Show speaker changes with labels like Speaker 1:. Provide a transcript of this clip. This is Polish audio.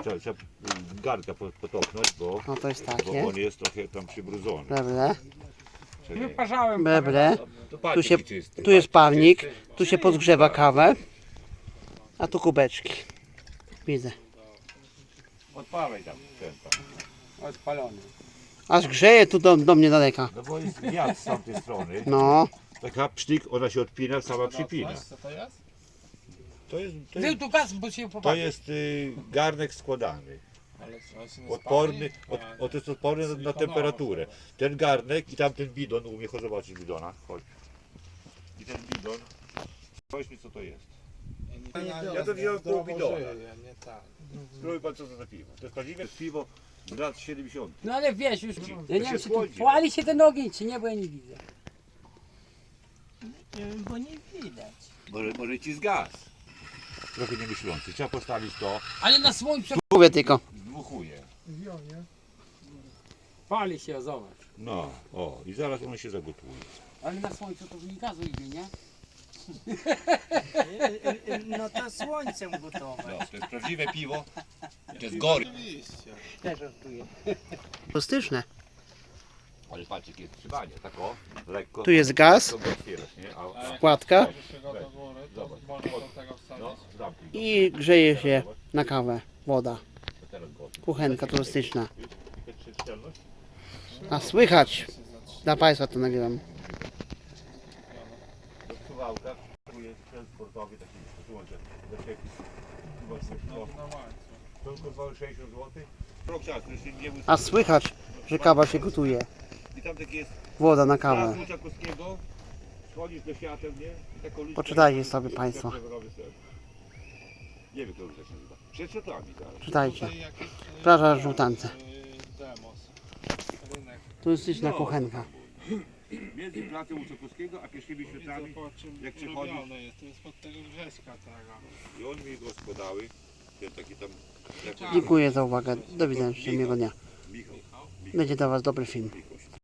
Speaker 1: trzeba garnka potoknąć, bo,
Speaker 2: No to jest
Speaker 1: bo
Speaker 2: takie.
Speaker 1: on jest trochę tam przybrudzony.
Speaker 2: Beble.
Speaker 1: Czekaj.
Speaker 3: Wyparzałem.
Speaker 2: Beble.
Speaker 1: To patrz,
Speaker 2: Tu się,
Speaker 1: jaki czysty,
Speaker 2: tu jest
Speaker 1: patrz,
Speaker 2: palnik.
Speaker 1: czysty.
Speaker 2: Tu się podgrzewa kawę. A tu kubeczki. Widzę.
Speaker 1: Odpalaj tam, ten.
Speaker 3: Odpalony.
Speaker 2: Aż grzeje tu do mnie daleka.
Speaker 1: No bo jest wiatr z tamtej strony.
Speaker 2: No.
Speaker 1: Taka psztyk, ona się odpina, sama przypina.
Speaker 4: Co to jest?
Speaker 1: To
Speaker 3: Był
Speaker 1: jest,
Speaker 3: tu gaz, bo się
Speaker 1: to
Speaker 3: popatrz.
Speaker 1: jest garnek składany.
Speaker 4: Ale co, się nie
Speaker 1: Odporny,
Speaker 4: spali?
Speaker 1: to jest odporny na temperaturę. Ten garnek i tamten bidon, u mnie chodź zobaczyć bidona. Chodź. I ten bidon. Powiedz mi co to jest. Ja to wziąłem pół bidona.
Speaker 4: Nie tak.
Speaker 1: Spróbuj pan co to za piwo. To jest prawdziwe piwo z lat 70.
Speaker 3: No ale wiesz już, ja nie wiem czy tu
Speaker 1: schłodzi.
Speaker 3: płali się ten ogień, czy nie, bo ja nie widzę.
Speaker 4: Bo nie widać.
Speaker 1: Może ci zgas. Trochę nie myślący. Trzeba postawić to.
Speaker 3: Ale na słońcu
Speaker 2: Mówię tylko.
Speaker 1: Dmuchuje.
Speaker 3: pali się, zobacz.
Speaker 1: No, o i zaraz on się zagotuje.
Speaker 3: Ale na słońcu to mi gazu idzie, nie?
Speaker 4: No to słońcem gotowe.
Speaker 1: No, to jest prawdziwe piwo. To jest gory.
Speaker 3: Też żartuję.
Speaker 2: Plastyczne.
Speaker 1: Ale patrz jakie jest trzymanie, tak o, lekko.
Speaker 2: Tu jest gaz.
Speaker 1: To go otwierasz, nie?
Speaker 2: Wkładka.
Speaker 1: Zobacz. No, zamknij go.
Speaker 2: I grzeje się na kawę. Woda.
Speaker 1: To teraz go otwórz.
Speaker 2: Kuchenka turystyczna.
Speaker 1: Jest szczelność?
Speaker 2: A słychać. Dla Państwa to nagrywam.
Speaker 1: Do suwałka. Tu jest sprzęt sportowy taki, wyłączę. To kosztowało 60 zł. Rok czasu, jeszcze nie był.
Speaker 2: A słychać, że kawa się gotuje.
Speaker 1: I tam taki jest
Speaker 2: Woda na
Speaker 1: plac
Speaker 2: kawę.
Speaker 1: Łuczakowskiego. Schodzisz do świateł, nie? I taką uliczkę-
Speaker 2: Poczytajcie sobie państwo.
Speaker 1: Nie wiem, kto się nazywa. Przed szatami zaraz.
Speaker 2: Czytajcie. Plaża Żółtance.
Speaker 4: Demos. Rynek.
Speaker 2: Turystyczna kuchenka.
Speaker 1: Między placem Łuczakowskiego a pierwszymi światami. Jak przychodzi-
Speaker 4: Robione jest, to jest pod tego Grześka tego.
Speaker 1: I on mi go składały. Ten taki tam.
Speaker 2: Dziękuję za uwagę. Do widzenia. Życzę miłego dnia.
Speaker 1: Michał.
Speaker 2: Będzie dla Was dobry film.
Speaker 1: Michał.